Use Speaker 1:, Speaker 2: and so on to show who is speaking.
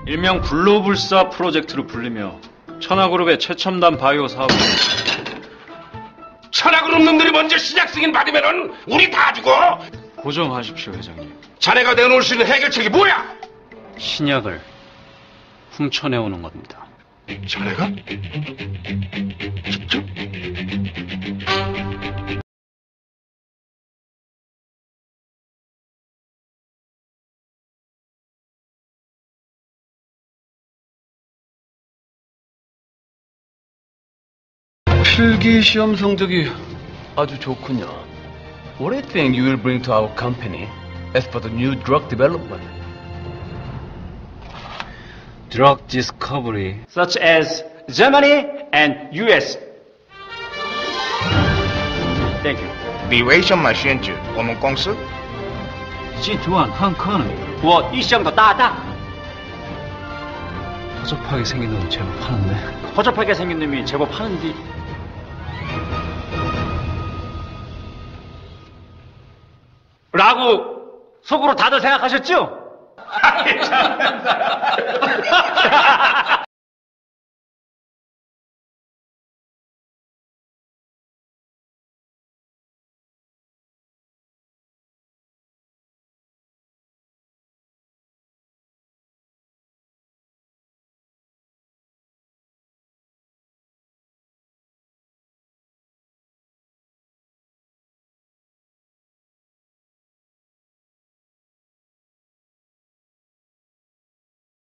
Speaker 1: 일명 글로불사 프로젝트로 불리며 천하그룹의 최첨단 바이오 사업입니다.
Speaker 2: 천하그룹 놈들이 먼저 시작 승인 받으면은 우리 다 죽어.
Speaker 1: 고정하십시오, 회장님.
Speaker 2: 자네가 내놓을 수 있는 해결책이 뭐야?
Speaker 1: 신약을 훔쳐내오는 겁니다.
Speaker 2: 자네가? 직접?
Speaker 3: 필기 시험 성적이 아주 좋군요. What do you think you will bring to our company as for the new drug development?
Speaker 1: Drug discovery.
Speaker 4: such as Germany and US. Thank you.
Speaker 5: 你为什么选择我们公司？
Speaker 1: 集团很可能
Speaker 4: 我一向的大大
Speaker 1: 허접하게 생긴 놈 제법 하는데.
Speaker 4: 허접하게 생긴 놈이 제법 하는데 라고 속으로 다들 생각하셨죠?